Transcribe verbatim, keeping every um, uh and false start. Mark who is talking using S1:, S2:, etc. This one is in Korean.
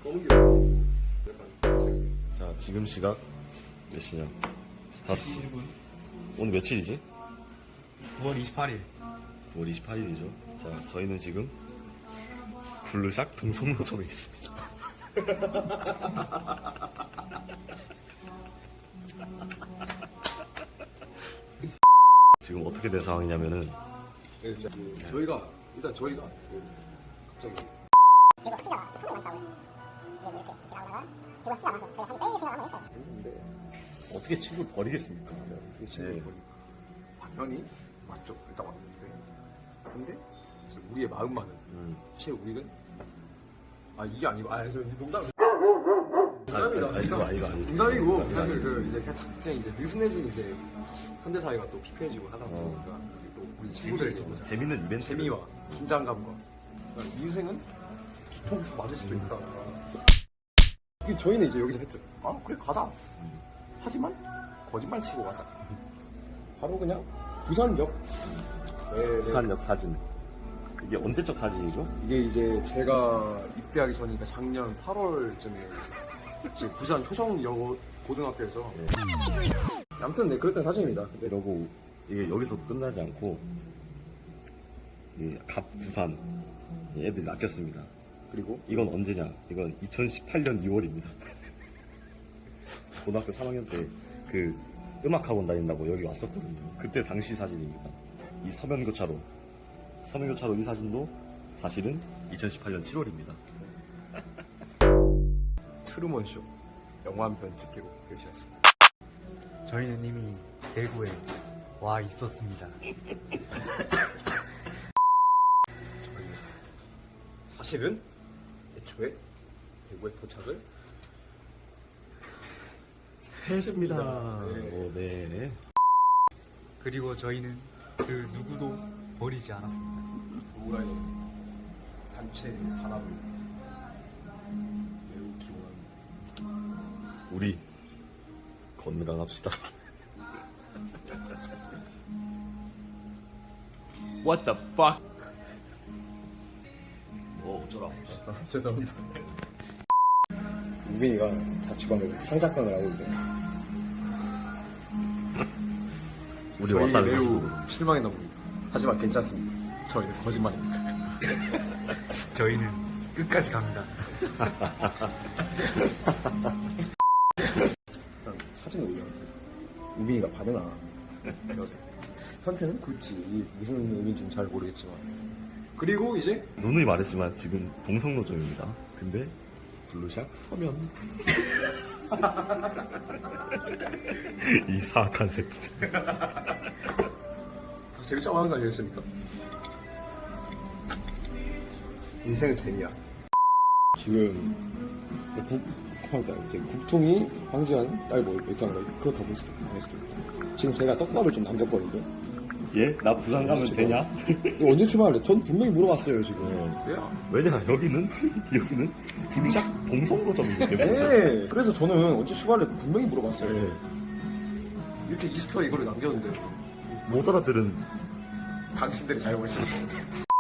S1: 검은 게 약간
S2: 자, 지금 시각 몇 시냐? 다섯 시.
S3: 일 분
S2: 오늘 며칠이지?
S3: 구월 이십팔일.
S2: 구월 이십팔일이죠. 자, 저희는 지금 블루샥 등송로점에 있습니다. 지금 어떻게 된 상황이냐면은
S1: 네, 진짜 그 저희가 일단 저희가 그 갑자기
S4: 그리고 학기가 손이 많다고 이제 뭐 이렇게 이렇게 나오다가 그리고 학기가 많아서 저희가 한 빼이 생각을 한번 했어요.
S1: 했는데
S2: 어떻게 친구를 버리겠습니까?
S1: 그 친구를
S2: 네.
S1: 보니까 당연히 맞죠. 일단 왔는데 근데 이제 우리의 마음만은
S2: 음.
S1: 사실 우리는 아 이게 아니고 아 저 농담
S2: 아, 아, 아, 이거 아니고 아니고.
S1: 농담이고
S2: 이거
S1: 사실
S2: 아니고.
S1: 그 이제 그냥, 그냥 이제 느슨해진 이제 현대 사회가 또 피폐해지고 하다
S2: 어.
S1: 보니까 또 우리 친구들 이제 보자.
S2: 재밌는 이벤트.
S1: 재미와 긴장감과 그러니까 인생은 기폭 다 맞을 수도 있다. 이게 저희는 이제 여기서 했죠. 아 그래 가자. 하지만 거짓말 치고 가자. 바로 그냥 부산역. 네, 네.
S2: 부산역 사진. 이게 언제적 사진이죠?
S1: 이게 이제 제가 입대하기 전이니까 작년 팔월쯤에 이제 부산 효성여 고등학교에서.
S2: 네.
S1: 아무튼 네 그랬던 사진입니다. 근데
S2: 이러고 이게 여기서도 끝나지 않고 이 갑 부산 애들이 낚였습니다.
S1: 그리고
S2: 이건 언제냐? 이건 이천십팔년 이월입니다. 고등학교 삼 학년 때 그 음악학원 다닌다고 여기 왔었거든요. 그때 당시 사진입니다. 이 서면교차로 서면교차로 이 사진도 사실은 이천십팔년 칠월입니다.
S1: 트루먼 쇼 영화 한 편 찍기로 결심했습니다.
S3: 저희는 이미 대구에 와 있었습니다.
S1: 저희는 사실은 애초에 대구에 도착을
S2: 했습니다.
S1: 네.
S2: 오, 네.
S3: 그리고 저희는 그 누구도 버리지 않았습니다.
S1: 노라의 단체 단합을 매우 기원합니다.
S2: 우리 건강합시다.
S5: What the fuck?
S2: 뭐 어쩌라고.
S1: 죄송합니다. 우빈이가 자취방에서 상작강을 하고 있는데
S2: 우리
S1: 저희
S2: 왔다는
S1: 매우
S2: 사실로.
S1: 실망했나 봅니다. 하지만 괜찮습니다. 저희는 거짓말입니다.
S3: 저희는 끝까지 갑니다.
S1: 일단 사진을 올렸는데 우빈이가 반응 안 하고 현태는 굳이 무슨 의미인지는 잘 모르겠지만 그리고 이제
S2: 누누이 말했지만 지금 동성로점입니다. 근데 블루샥 서면 이 사악한 새끼들.
S1: 더 재밌자고 하는 거 아니겠습니까? 인생은 재미야. 지금 국, 그러니까 이제 국통이 황지한 딸 뭐 이렇게 한 거 그렇다고 볼 수도 있고 할 수도 있고 지금 제가 떡밥을 좀 남겼거든요.
S2: 예? 나 부산 가면 되냐?
S1: 이거 언제 출발할래? 전 분명히 물어봤어요 지금.
S2: 네.
S1: 야.
S2: 왜냐 여기는 여기는 블루샥 동성로점이기 때문에.
S1: 네. 그래서 저는 언제 출발할래 분명히 물어봤어요.
S2: 네.
S1: 이렇게 이스터 이거를 남겼는데
S2: 못 알아들은
S1: 당신들이 잘 보시죠.